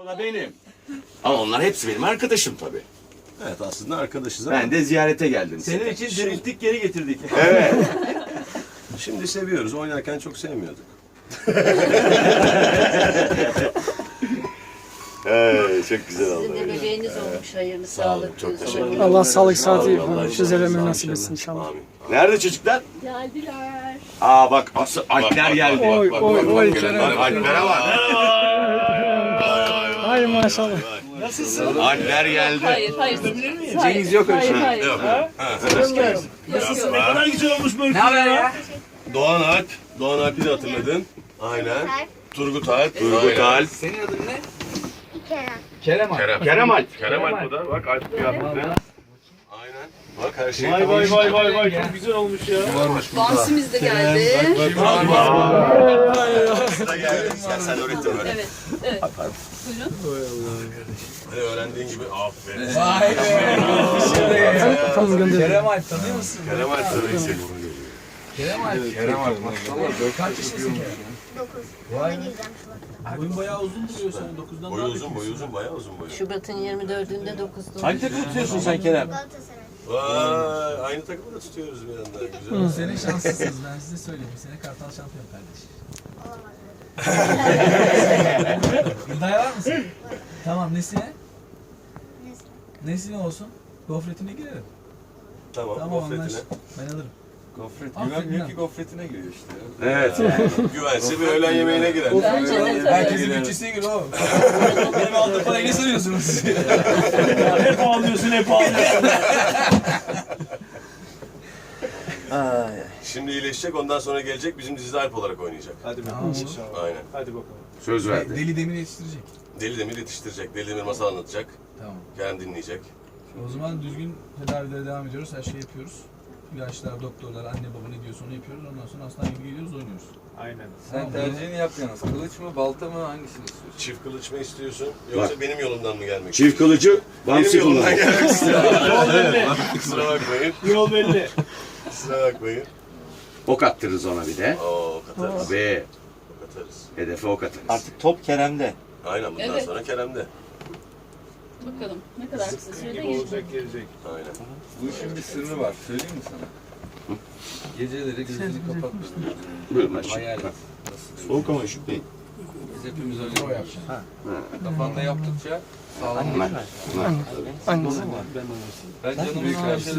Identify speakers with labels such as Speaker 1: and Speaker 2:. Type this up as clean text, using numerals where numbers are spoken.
Speaker 1: O da benim. Ama onlar hepsi benim arkadaşım tabii.
Speaker 2: Evet, aslında arkadaşız ama
Speaker 1: Ben de ziyarete geldim.
Speaker 3: Senin için dirilttik, geri getirdik.
Speaker 1: Evet.
Speaker 2: şimdi seviyoruz. Oynarken çok sevmiyorduk.
Speaker 1: Çok güzel oldu.
Speaker 4: Sizin de bebeğiniz olmuş, hayırlı,
Speaker 1: Sağ olun,
Speaker 4: sağlıklı.
Speaker 1: çok teşekkür ederim.
Speaker 5: Allah sağlık
Speaker 1: Sağ olun,
Speaker 5: saati
Speaker 1: Allah
Speaker 5: füzelerine
Speaker 1: inşallah,
Speaker 5: nasip
Speaker 1: inşallah.
Speaker 5: etsin inşallah.
Speaker 1: Amin. Nerede çocuklar?
Speaker 4: Geldiler.
Speaker 1: Aa bak asıl Alpler geldi.
Speaker 5: Oy oy oy
Speaker 1: Bak
Speaker 5: Kerem.
Speaker 1: Alpler'e bak.
Speaker 5: Ay maşallah.
Speaker 3: Nasılsın?
Speaker 1: Alpler geldi.
Speaker 4: Hayır.
Speaker 1: Cengiz yok öyle şey.
Speaker 4: Hayır.
Speaker 3: Nasılsın? Ne kadar güzel olmuş böyle.
Speaker 6: Ne haber ya?
Speaker 2: Doğan Alp. Doğan Alp'i de hatırladın. Aynen. Turgut Alp.
Speaker 1: Turgut Alp.
Speaker 6: Senin adın ne?
Speaker 7: Kerem.
Speaker 6: Kerem abi.
Speaker 1: Kerem Alp.
Speaker 2: Kerem Alp bu da. Bak Alp kıyafeti. Aynen. Bak her şey.
Speaker 3: Vay çok güzel olmuş ya.
Speaker 4: Dansimiz de geldi.
Speaker 2: Sıra geldi. Sen öğrettin böyle.
Speaker 4: Evet. Buyurun.
Speaker 2: Hani öğrendiğin gibi aferin.
Speaker 6: Vay be.
Speaker 5: Tamam gönder.
Speaker 6: Kerem Alp tanıyor musun?
Speaker 2: Kerem Alp tabii ki.
Speaker 6: Kerem Alp. Kerem Alp maşallah. Kaç yaşındasın Kerem?
Speaker 7: 9.
Speaker 6: Vay.
Speaker 7: Ona gireceğim Şubat'ta.
Speaker 3: Boyun bayağı uzun duruyor sen. 9'dan
Speaker 2: Boyu uzun, boyu uzun, bayağı uzun boyu.
Speaker 4: Şubat'ın 24'ünde 9'da.
Speaker 3: Hangi takım tutuyorsun sen Kerem?
Speaker 7: Galatasaray.
Speaker 2: Vay, aynı takımı da tutuyoruz bir yandan. Güzel.
Speaker 8: Sene şanslısınız, ben size söyleyeyim. Bu sene Kartal şampiyon kardeş.
Speaker 7: Olamaz.
Speaker 8: İddiaya var mısın? Tamam, nesine?
Speaker 7: Neyse.
Speaker 8: Nesine olsun? Gofretine girelim.
Speaker 2: Tamam,
Speaker 8: Tamam,
Speaker 2: gofretine.
Speaker 8: anlaştık. Ben alırım.
Speaker 6: Gofret.
Speaker 8: Güvenmiyor ki
Speaker 6: gofretine giriyor işte.
Speaker 1: Evet.
Speaker 2: Güvense bir öğlen yemeğine girer.
Speaker 4: Bence de tabii.
Speaker 8: Herkesin bütçesine göre o. Benim aldığım parayı ne sanıyorsunuz siz?
Speaker 3: Hep ağlıyorsun, hep ağlıyorsun.
Speaker 2: Şimdi iyileşecek, ondan sonra gelecek, bizim dizide Alp olarak oynayacak.
Speaker 3: Hadi
Speaker 8: Tamam,
Speaker 3: bakalım.
Speaker 8: olur.
Speaker 2: Aynen.
Speaker 3: Hadi bakalım.
Speaker 1: Söz verdi.
Speaker 8: Deli Demir yetiştirecek.
Speaker 2: Deli Demir yetiştirecek, Deli Demir masal anlatacak,
Speaker 8: Tamam.
Speaker 2: Kerem dinleyecek.
Speaker 8: O zaman düzgün tedavilere devam ediyoruz. Her şeyi yapıyoruz. İlaçlar, doktorlar, anne baba ne diyorsa onu yapıyoruz. Ondan sonra hastane gibi geliyoruz, oynuyoruz.
Speaker 3: Aynen.
Speaker 6: Sen tercihini yap yalnız. Kılıç mı, balta mı, hangisini istiyorsun?
Speaker 2: Çift kılıç mı istiyorsun, yoksa benim yolumdan mı gelmek
Speaker 1: Çift kılıcı
Speaker 2: Benim
Speaker 1: Bamsi
Speaker 2: yolumdan
Speaker 1: kullanıyor.
Speaker 2: gelmek istiyorum.
Speaker 3: Yol belli.
Speaker 2: Kusura bakmayın,
Speaker 3: Yol belli.
Speaker 2: kusura bakmayın.
Speaker 1: Ok attırırız ona bir de.
Speaker 2: Oo, katarız,
Speaker 1: Ve
Speaker 2: katarız.
Speaker 1: hedefe ok atarız.
Speaker 3: Artık top Kerem'de.
Speaker 2: Aynen, bundan
Speaker 4: Evet.
Speaker 2: sonra Kerem'de.
Speaker 4: Bakalım ne kadar kısa sürede
Speaker 3: Gibi
Speaker 4: gelecek.
Speaker 3: olacak, gelecek.
Speaker 2: Aynen.
Speaker 6: Bu işin bir sırrı var. Söyleyeyim mi sana? Geceleri gözünü kapatmadan.
Speaker 1: Buyurun aşağı.
Speaker 6: Hayal et. Nasıl?
Speaker 1: Soğuk ama üşük değil.
Speaker 6: Biz hepimiz öyle yapacağız. Kafanda yaptıkça sağlam.
Speaker 5: Hangisi?
Speaker 6: Ben canımın karşısında